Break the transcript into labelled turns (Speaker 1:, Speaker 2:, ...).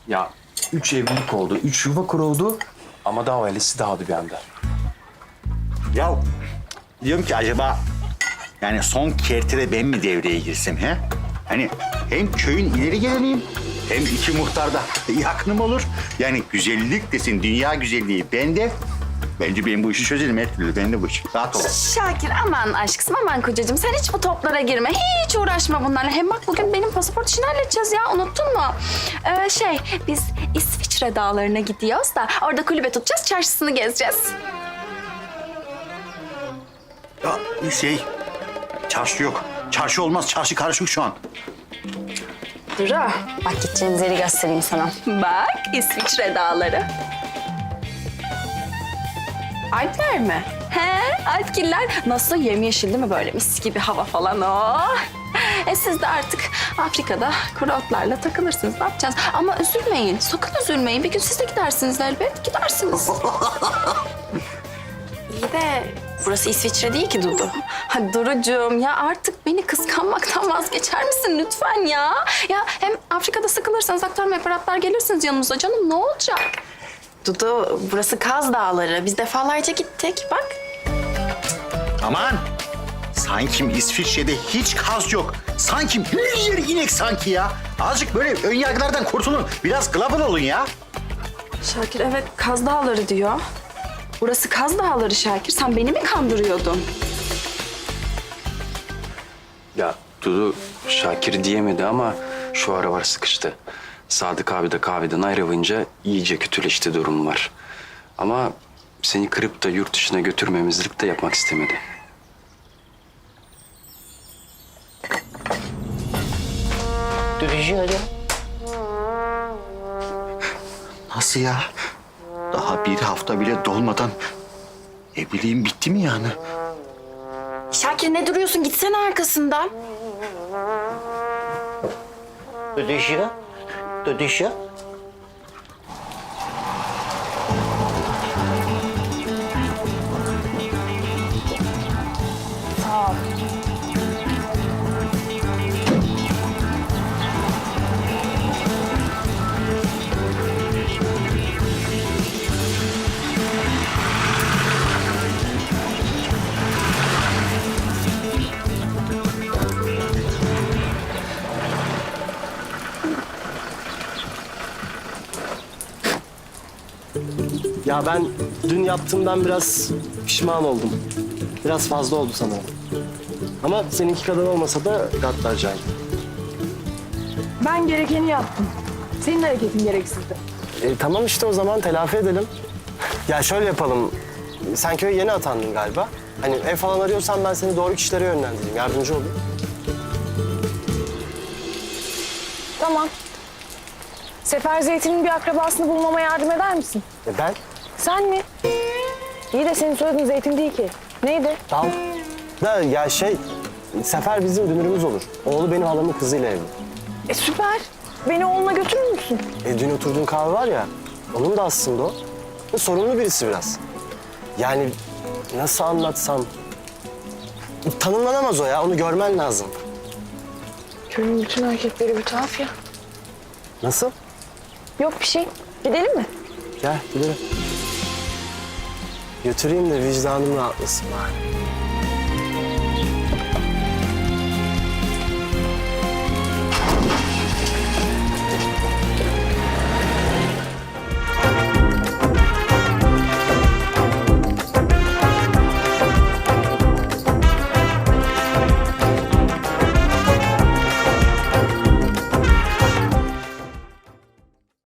Speaker 1: Ya 3 evlilik oldu, 3 yuva kuruldu ama daha ailesi dağıldı bir anda.
Speaker 2: Ya diyorum ki acaba yani son kertede ben mi devreye girsem he? Hani hem köyün ileri geleniyim hem iki muhtar da yakınım olur. Yani güzellik desin, dünya güzelliği bende. Bence ben bu işi çözerim her türlü. Ben de bu iş. Rahat ol.
Speaker 3: Şakir aman aşkım aman kocacığım sen hiç bu toplara girme. Hiç uğraşma bunlarla. Hem bak bugün benim pasaport işini halledeceğiz ya unuttun mu? Biz İsviçre dağlarına gidiyoruz da orada kulübe tutacağız çarşısını gezeceğiz.
Speaker 2: Ya çarşı yok. Çarşı olmaz. Çarşı karışık şu an.
Speaker 3: Duru bak gideceğimiz yeri göstereyim sana. Bak İsviçre dağları. Alpler mi? He, Alpgiller. Nasıl yemyeşil değil mi böyle mis gibi hava falan oh. Siz de artık Afrika'da kuru otlarla takılırsınız. Ne yapacağız? Ama üzülmeyin, sakın üzülmeyin. Bir gün siz de gidersiniz elbet, gidersiniz. İyi de burası İsviçre değil ki Dudu. Hadi Durucuğum ya artık beni kıskanmaktan vazgeçer misin lütfen ya? Ya hem Afrika'da sıkılırsanız aktarma aparatlar gelirsiniz yanımıza canım ne olacak? Dudu, burası Kaz Dağları. Biz defalarca gittik. Bak.
Speaker 2: Aman! Sanki İsviçre'de hiç kaz yok. Sanki her yer inek sanki ya. Azıcık böyle ön yargılardan kurtulun. Biraz global olun ya.
Speaker 3: Şakir evet Kaz Dağları diyor. Burası Kaz Dağları Şakir. Sen beni mi kandırıyordun?
Speaker 1: Ya Dudu Şakir diyemedi ama şu aralar sıkıştı. Sadık abi de kahveden ayrılınca iyice kötüleşti durum var. Ama seni kırıp da yurt dışına götürmemizlik de yapmak istemedi.
Speaker 2: Nasıl ya? Daha bir hafta bile dolmadan evliliğim bitti mi yani?
Speaker 3: Şakir ne duruyorsun? Gitsene arkasından.
Speaker 2: Dödüşü.
Speaker 4: Ya ben dün yaptığımdan biraz pişman oldum. Biraz fazla oldu sanırım. Ama seninki kadar olmasa da gaddarcaydı.
Speaker 5: Ben gerekeni yaptım. Senin hareketin gereksizdi.
Speaker 4: Tamam işte o zaman telafi edelim. Ya şöyle yapalım. Sen köye yeni atandın galiba. Hani ev falan arıyorsan ben seni doğru kişilere yönlendireyim. Yardımcı olayım.
Speaker 5: Tamam. Sefer Zeytin'in bir akrabasını bulmama yardım eder misin?
Speaker 4: Ben?
Speaker 5: Sen mi? İyi de senin soyadın Zeytin değil ki. Neydi?
Speaker 4: Tamam. Da ya Sefer bizim dünürümüz olur. Oğlu benim halamın kızıyla evli.
Speaker 5: Süper. Beni oğluna götürür müsün?
Speaker 4: Dün oturduğun kahve var ya, onun da aslında o. Ve sorunlu birisi biraz. Yani nasıl anlatsam... Tanımlanamaz o ya, onu görmen lazım.
Speaker 5: Köyün bütün erkekleri bir tuhaf ya.
Speaker 4: Nasıl?
Speaker 5: Yok bir şey. Gidelim mi?
Speaker 4: Gel gidelim. Götüreyim de vicdanım rahatlasın bari.